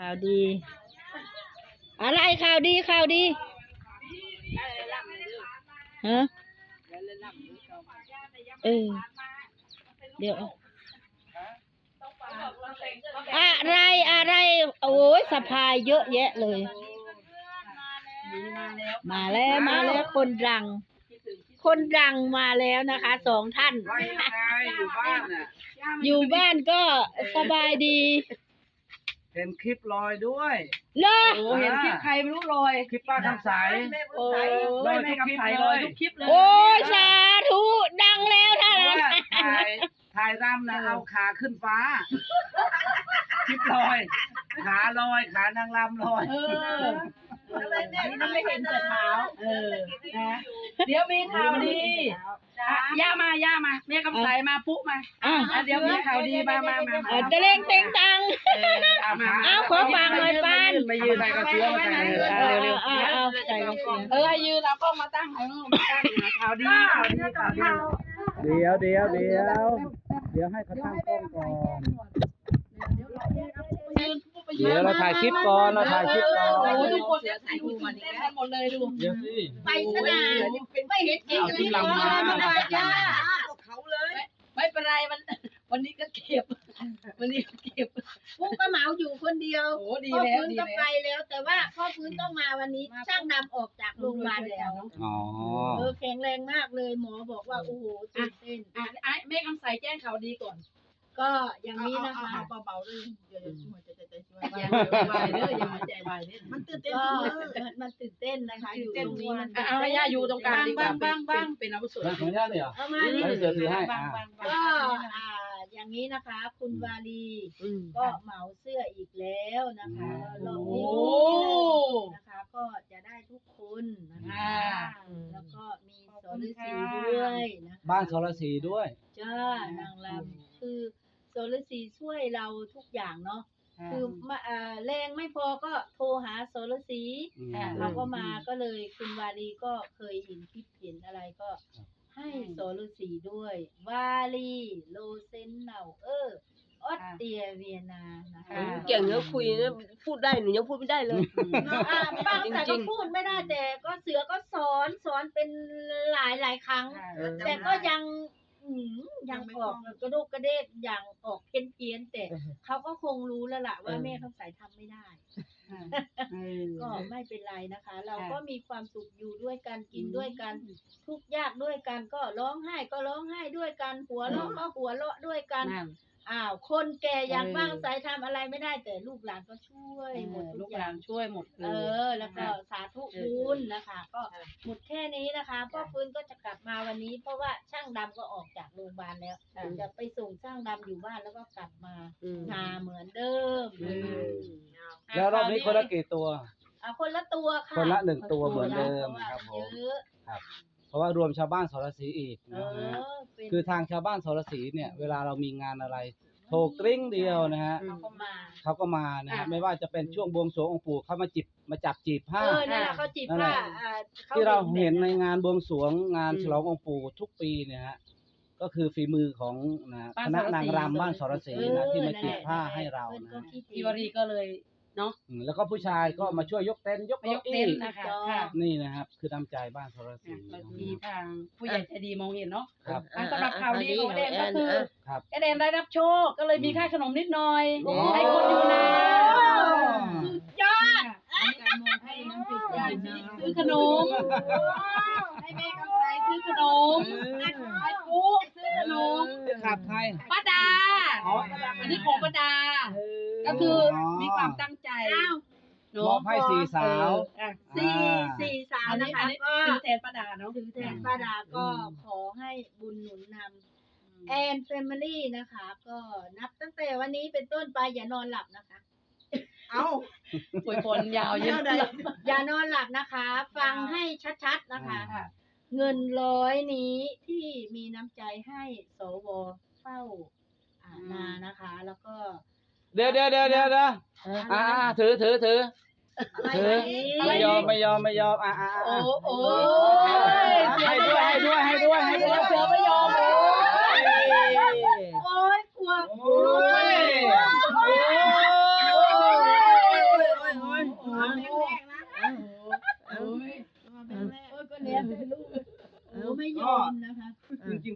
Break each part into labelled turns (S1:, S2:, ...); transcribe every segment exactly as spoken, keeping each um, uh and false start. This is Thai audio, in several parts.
S1: าวดีอะไรข่าวดีข่าวดีฮะเออเดี๋ยวอะไรอะไรโอ้ยสะพายเยอะแยะเลยมาแล้วมาแล้วคนดังคนดังมาแล้วนะคะสองท่าน
S2: อยู่บ้านน่ะ
S1: อยู่บ้านก็สบายดี
S2: เห็นคลิปลอยด้วย
S1: เลอ
S3: โอ้เห็นคลิปใครไม่รู้ลอย
S2: คลิปป้าคำใส
S3: โอ้ยแม่คำใสลอยทุกคลิปเลย
S1: โอ้ยสาธุดังแล้วท่าน
S2: ถ่ายถ่ายรำนะเอาขาขึ้นฟ้าคลิปลอยขาลอยขานางรำลอย
S3: เออมันไม่เห็นแต่เท้าเออนะเดี๋ยวมีข่าวดีย่ามาย่ามาแม่คำใสมาปุ๊มาอ่ะเดี๋ยวมีข่าวดีมามามา
S1: จะเล่งเต็งตังเอาขอฟังหน่อยปาน
S2: มายืนใส่กระเสื้อมาใส่
S1: เร็วๆเอาใส่กระเสื้อ
S3: เออยืนเอากล้องมาตั้งให้มาตั้งข่าวดีข่าวดีข่าวดี
S2: เดี๋ยวเดี๋ยวเดี๋ยวเดี๋ยวให้เขาตั้งกล้องก่อนเดี๋ยวเราถ่ายคลิปก่อนเราถ่ายคลิปก่อน
S3: โอ้ทุกคนถ่ายรูปมาดิหมดเลยดู
S2: เดี๋ยวสิ
S1: ไปสนามไม่เห็นจริงเลย
S2: เอาที่ลำมา
S3: ย่าเขาเลยไม่เป็นไรมันวันนี้ก็เก็บวันนี้ก็เก็บ
S1: พุกก็เหมาอยู่คนเดียว
S3: โอ้ดีแล้วดี
S1: แล้วก็ไปแล้วแต่ว่าพ่อพื้นต้องมาวันนี้ช่างนำออกจากโรงพยาบาลแล้ว
S2: อ๋อ
S1: เออแข็งแรงมากเลยหมอบอกว่าโอ้โหตื่นเต้น
S3: อ่ะไอ้แม่คำใสแจ้งข่าวดีก่อน
S1: ก็อย่างนี้นะคะ
S3: เบาๆด้วยเดี๋ยวช่วยจะจะช่วยอย่าไปเด้ออย่ามาใจไปเด้อมันตื่นเต้น
S1: มันตื่นเต้นนะคะอยู่ตรงนี้มัน
S3: เอาให้ย่าอยู่ตรงกลางดีกว่าบ้างบ้างเป็นอาวุโส
S2: ของย่าเนี่ย
S1: เอามานี่
S2: เสือถือให้
S1: ก็อ่าอย่างนี้นะคะคุณวาลีก็เหมาเสื้ออีกแล้วนะคะรอบนี้นะคะก็จะได้ทุกคนนะคะแล้วก็มีโซลสีด้วยนะคะ
S2: บ้านโซลสีด้วย
S1: จ้านางลำคือโซลสีช่วยเราทุกอย่างเนาะคือมาแรงไม่พอก็โทรหาโซลสีเขาก็มาก็เลยคุณวาลีก็เคยเห็นคลิปเห็นอะไรก็ให้โซลสีด้วยวาลีโลเซนเนาเออออสเตรียเวียนานะคะ
S4: เก่งเนอะคุยนะพูดได้หนูยังพูดไม่ได้เลย
S1: บางแต่ก็พูดไม่ได้แต่ก็เสือก็สอนสอนเป็นหลายหลายครั้งแต่ก็ยังยังออกกระโดกกระเดกอย่างออกเพี้ยนเพี้ยนแต่เขาก็คงรู้แล้วล่ะว่าแม่เขาใส่ทำไม่ได้ก็ไม่เป็นไรนะคะ เราก็มีความสุขอยู่ด้วยกันกินด้วยกันทุกข์ยากด้วยกันก็ร้องไห้ก็ร้องไห้ด้วยกันหัวเราะก็หัวเราะด้วยกันอ้าวคนแก่อย่างบ้างใส่ทำอะไรไม่ได้แต่ลูกหลานก็ช่วยหมด
S3: ลูกหลานช่วยหมด
S1: เออแล้วก็สาธุบุญนะคะก็หมดแค่นี้นะคะพ่อฟื้นก็จะกลับมาวันนี้เพราะว่าช่างดำก็ออกจากโรงพยาบาลแล้วจะไปส่งช่างดำอยู่บ้านแล้วก็กลับมานาเหมือนเดิม
S2: แล้วรอบนี้คนละกี่ตัว
S1: อ่ะคนละตัวค่ะ
S2: คนละหนึ่งตัวเหมือนเดิมครับผมครับเพราะว่ารวมชาวบ้านสรศรีอีกนะฮะคือทางชาวบ้านสรศรีเนี่ยเวลาเรามีงานอะไรโทรกริ้งเดียวนะฮะ
S1: เขาก็มา
S2: เขาก็มานะฮะไม่ว่าจะเป็นช่วงบวงสรวงองค์ปู่เขามาจิบมาจับจีบผ้า
S1: เออนั่นแหละเขาจีบผ้า
S2: ที่เราเห็นในงานบวงสรวงงานฉลององค์ปู่ทุกปีเนี่ยฮะก็คือฝีมือของนะคณะนางรำบ้านสรศรีนะที่มาจีบผ้าให้เรานะ
S3: พี่วรีก็เลยเนาะ
S2: แล้วก็ผู้ชายก็มาช่วยยกเต็นท์ยก
S3: ยกเต็นท์นะคะ
S2: นี่นะครับคือน้ำใจบ้านสรศรี
S3: มีทางผู้ใหญ่ใจดีมองเห็นเนาะสำหรับข่าวดีของเดนก็คือเดนได้รับโชคก็เลยมีค่าขนมนิดหน่อยให้คนอยู่นะ
S1: สุดยอด
S3: ซื้อขนมให้แม่กำไสซื้อขนมให้ปุ๊ซื้อขนม
S2: ขับใคร
S3: ป้าดาอันนี้ของป้าดาก็คือมีความตั้งใจ
S2: มอบให้สี่สาว
S1: สี่สี่สาวนะคะก็
S3: ถือแทนป้าดาเนาะ
S1: ถือแทนป้าดาก็ขอให้บุญหนุนนำแอนแฟมิลี่นะคะก็นับตั้งแต่วันนี้เป็นต้นไปอย่านอนหลับนะคะ
S3: เอ้าป่วยฝนยาวเยอะเลย
S1: อย่านอนหลับนะคะ ฟังให้ชัดๆนะคะเงินร้อยนี้ที่มีน้ำใจให้สวเฝ้านานะคะแล้วก็
S2: เดี๋ยวเดี๋ยวเดี๋ยวเดี๋ยวอ่าถือถือถือถือไม่ยอมไม่ยอมไม่ยอมอ่าอ่า
S3: โอ้โอ้
S2: ให้ด้วยให้ด้วยให้ด้วยให้ด้วย
S3: เสือไม่ยอมโอ้
S1: ยโอ้ยกลัวโอ้ย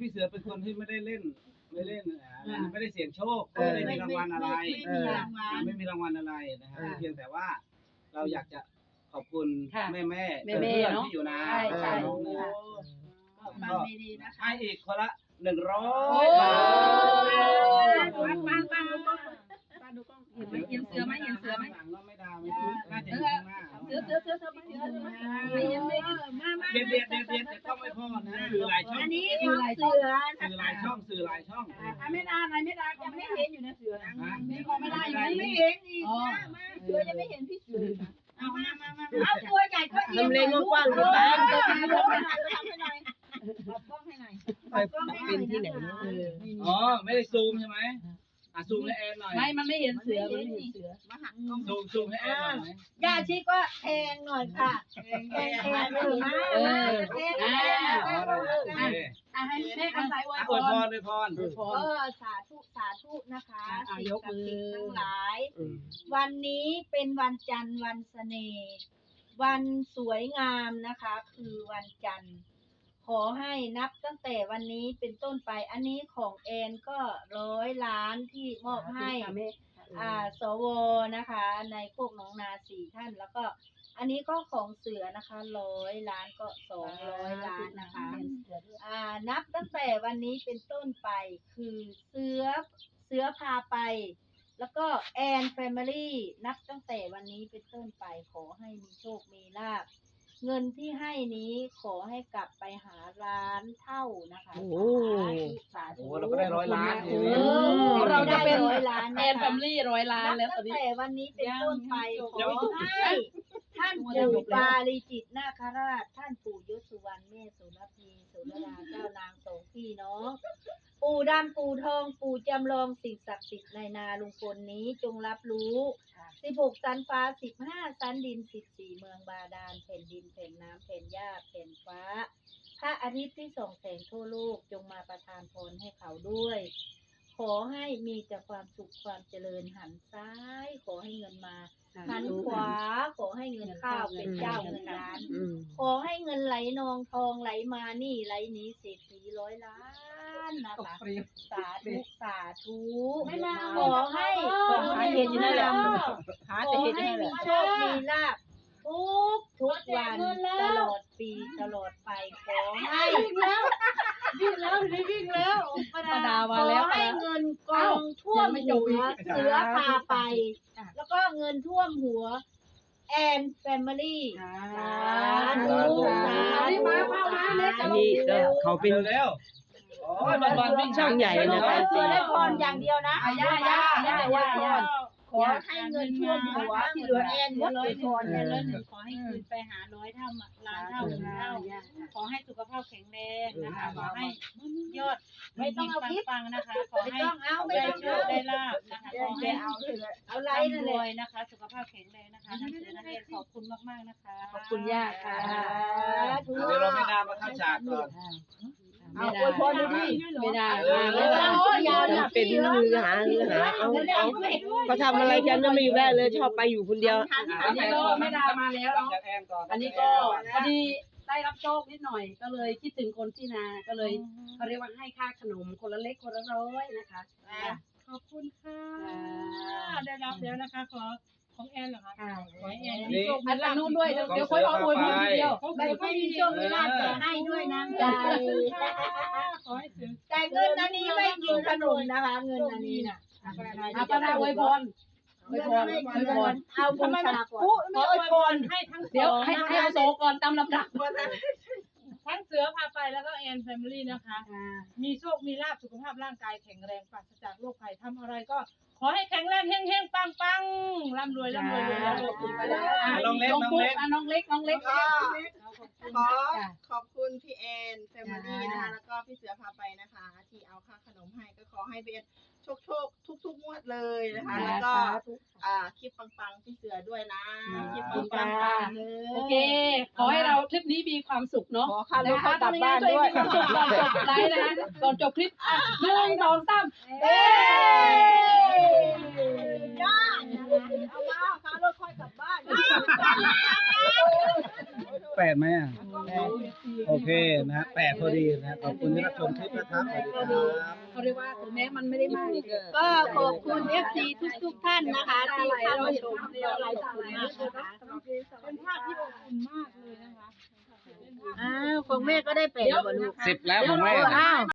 S2: พี่เสือเป็นคนที่ไม่ได้เล่นไม่เล่นอ่าไม่ได้เสี่ยงโชคไม่ได้มีรางวัลอะไร
S1: ไม่มีรางวัล
S2: ไม่มีรางวัลอะไรนะครับเพียงแต่ว่าเราอยากจะขอบคุณ
S3: ค่ะ
S2: แม่แม่
S3: แม่
S2: เพื่
S3: ๆ
S2: อน
S3: เนอะ
S2: ที่อยู่นา
S3: ใช่ใช่
S2: เออนะ
S1: ก็ฟังดีๆนะคะ
S2: ให้อีกคนละหนึ่งร้อ
S3: โอ้
S2: ยบาท
S3: ปันปันปันดูกล้องปันดูกล้องเห็นไหมเห็นเสือไหมเห็นเสือไหม
S2: ข้างหลังเราไม่ดาวไม่ซื้อน่าจะอยู่ข้างหน้า
S3: เสือเสือเสือเสือไม่เสือเสือไม่เห็นไม่เห็นมามา
S2: เด็ดเด็ดเด็ดเด็ดแต่ก็ไม่พอนะสื่อหลายช่อง
S1: อันนี้ของเสือ
S2: สื่อหลายช่องสื่อหลายช่อง
S3: อ่ะไม่ได้อะไรไม่ได้ก็ไม่เห็นอยู่นะเสือนะมีก็ไม่ได้อยู่
S1: ไม่
S3: ไม่
S1: เห็นอีก
S3: อ๋อ
S1: มาเสือยังไม่เห็นพี่เสือเอามามามาเอาตัวใหญ่ก็เอียง
S4: ทำเลงกว้างๆ
S1: เอ
S4: ดี
S1: อ
S4: ป้า
S1: ทำให้หน่อยทำให้หน่อยขอบกล้องให้หน่อยขอบกล้องให้หน่อย
S4: เป็นที่ไหนเนอะ
S3: เออ
S2: อ๋อไม่ได้ซูมใช่ไหมอ่ะซูมให้แอนหน่อย
S3: ไม่มันไม่เห็นเสือมันไม่เห็นเสือ
S1: มาหักกล้อง
S2: ซูมซูมให้แอนหน่อยไหม
S1: ยาชีก็แทงหน่อยค่ะแทงแทงแทงหรือมาแทงแทง
S2: อ๋อได้โอเค
S3: อ่ะให้แม่คำสายอวย
S2: อ่ะ
S3: พ
S2: อวย
S3: ร
S2: พรอวยพร
S3: อวยพ
S1: เอ
S3: ร
S1: อสาธุสาธุนะคะ
S3: อ่ะ
S1: สิ่ง
S3: ยก
S1: ศัก
S3: มื
S1: ดิ์
S3: อ
S1: สิทธิ์ทั้งหลาย
S4: อืม
S1: วันนี้เป็นวันจันทร์วันเสน่ห์วันสวยงามนะคะ คือวันจันทร์ ขอให้นับตั้งแต่วันนี้เป็นต้นไป อันนี้ของแอนก็ร้อยล้านที่มอบให้ อ่าสวนะคะ ในพวกหน้องนาสี่ท่าน แล้วก็ อันนี้ก็ของเสือนะคะร้อยล้านก็สองร้อยล้านนะคะ อ่านับตั้งแต่วันนี้เป็นต้นไปคือเสือเสือพาไป แล้วก็แอนแฟมิลี่นับตั้งแต่วันนี้เป็นต้นไปขอให้มีโชคมีลาภเงินที่ให้นี้ขอให้กลับไปหาร้านเท่านะคะ
S4: โอ้
S1: สาธุ
S2: โอ้เราก็ได้ร้อยล้าน
S3: โอ้
S2: เลย
S3: โหเราจะเป็น
S1: ร้อยล้าน
S3: แอ
S1: นะ
S3: นแฟ
S1: คะ
S3: มิลี่ร้อยล้าน
S1: นับ
S3: แล้วตอ
S1: ตั้
S3: น
S1: ง
S3: นี้
S1: แต่วันนี้เป็นต้นไปขอให้ท่านปู่ปาริจิตนาคราช ท่านปู่ยศสุวรรณแม่สุรพีสุรดาเจ้านางสองพี่น้อง ปู่ดำปู่ทองปู่จำลองสิ่งศักดิ์สิทธิ์ในนาลุงพลนี้จงรับรู้สิบหกสันฟ้าสิบห้าสันดินสิบสี่เมืองบาดาลแผ่นดินแผ่นน้ำแผ่นหญ้าแผ่นฟ้า พระอาทิตย์ที่ส่องแสงทั่วโลกจงมาประทานพรให้เขาด้วย ขอให้มีแต่ความสุขความเจริญหันซ้าย ขอให้เงินมาหันขวา ขอให้เงินเข้าวเป็นเจ้าเงินล้าน
S4: อืม
S1: ขอให้เงินไหลนองทองไหลมานี่ไหลหนี้เศรษฐีร้อยล้านนะคะ สาธุสาธุขอให้ขอให้เห็นอยู่นั่นแหละขอให้มีโชคมีลาภทุกทุกวันตลอดปีตลอดไปขอให้วิ่งแล้ววิ่งแล้ววิ่งแล้ว
S3: ประดา
S1: ข
S3: มา
S1: อ
S3: แล้ว
S1: ให้เงินกองท่วมหัวเสือพาไป แล้วก็เงินท่วมหัวแอนแฟมิลี่สาธุสาธุ
S4: อันนี้ก็เขาเป็น
S2: เร็วๆโอ้ยบอลบอลวิ่ง
S4: ช่างใหญ่นะ
S1: ขอ
S4: คะ
S1: ให้เสือได้พรอย่างเดียวนะ
S3: อ่ะย่าย่าย่าย่าย่า
S1: ขอให้เงินท่วมหัวที่เหลือแอนหมดเลยพร
S5: แอนร้อยหนึ่งขอให้คืนไปหาร้อยเท่าล้านเท่าหนึ่งเท่าขอให้สุขภาพแข็งแรงนะคะขอให้ยอด
S1: ไม่ต้องเอาพิษ
S5: ปังๆนะคะขอ
S1: ไม่
S5: ให้
S1: ต้องเอาไม่
S5: ได้
S1: ต้อง
S5: โช
S1: เอา
S5: คได้ลาบนะคะขอให้
S1: เอาเอาไรนั่น
S5: ร
S1: เล
S5: วย
S1: ย
S5: นะคะ สุขภาพแข็งแรงนะคะนักเรียนนักเรียนขอบคุณมากๆนะคะ
S3: ขอบคุณย่าค่ะ
S1: ธุ
S2: เดี๋ยวเราไม่ดามาเข้าฉากก่อน
S3: ไม่ได้ไม่ได้ไม่ได้
S1: โอ้ยยาว
S4: มันเป็นมือหามือหาเอาเอาเขาทำอะไรกันก็ไม่อยู่ได้เลยชอบไปอยู่คนเดียว
S3: อันนี้ก็ไม่ได้มาแล้ว
S2: หลัง
S3: เนาะ
S2: จากแอนก่อน
S3: อันนี้ก็พอดีได้รับโชคนิดหน่อยก็เลยคิดถึงคนที่นาก็เลยเขาเรียกว่าให้ค่าขนมคนละเล็กคนละร้อยนะคะ
S5: ขอบคุณค่ะได้รับแล้วนะคะขอของแอนเหรอคะขอให้แอนมี
S2: นี่
S5: โชค
S3: อันนู้นด้วยเดี๋ยวเดี๋ยวค่อยเอาอวยพรทีเดียว
S1: ไม่ไม่มีโชคมีลาภแต่ให้ด้วยน้ำใจ
S5: ขอให้เสือ
S1: แต่เงินอันนี้ไม่กินขนมนะคะ เงินอันนี้น่ะ
S3: อาปาดาอวยพรอวยพรอวยพร
S1: เอาบูชาก่อน
S5: ขออวยพรให้ทั้งส
S3: เดี๋ยว
S5: อง
S3: ให้ให้เอาโซก่อนตามลำดับ
S5: ทั้งเสือพาไปแล้วก็แอนแฟมิลี่นะคะ มีโชค มีลาภสุขภาพร่างกายแข็งแรงปราศจากโรคภัยทำอะไรก็ขอให้แข็งแรงเฮงๆ ปังๆ ร่ำรวยร่ำรวยรวยรวยรวยไปเลย
S2: น้องเล็ก
S3: น้อง
S2: น้อง
S3: ปุ๊
S2: เล็
S3: ก
S2: ก
S3: น้องเล็กน้องเล็ก
S6: ก็ขอขอบคุณพี่แอนแฟมิลี่นะคะแล้วก็พี่เสือพาไปนะคะ ที่เอาค่าขนมให้ก็ขอให้พี่แอนโชคโชคทุกทุกๆงวดเลยนะคะ แล้วก็อ่าคลิปปังๆพี่เสือด้วยนะคลิปปังๆเลย
S3: โอเค ขอให้เราคลิปนี้มีความสุขเนาะ
S6: ขอค่ารถ
S3: นะคะ
S6: กลับบ้านด้วย
S3: มีความสุขก่อนจบไลฟ์นะก่อนจบคลิปอ่ะหนึ่งสองสาม
S1: เอ้ยอด
S6: เอามาค่ารถค่อยกลับบ้าน
S2: แปดไหมอ่ะ
S3: แป
S2: โอเคนะฮะแปดพอดีนะฮะขอบคุณที่รับชมคลิปนะครับสวัสดีครับ
S3: เขาเรียกว่าถึงแม้มันไม่ได้มาก
S1: ก็ขอบคุณ เอฟ ซี ทุกทุกๆท่านนะคะที่เข้ามาชมก็ขอบคุณมากนะคะ
S5: เป็นภาพที่อบอุ่นมากเลยนะคะ
S1: อ้าวของแม่ก็ได้แปดแล้วบ่ลูก
S2: สิบแล้วของแม่
S1: อ้าว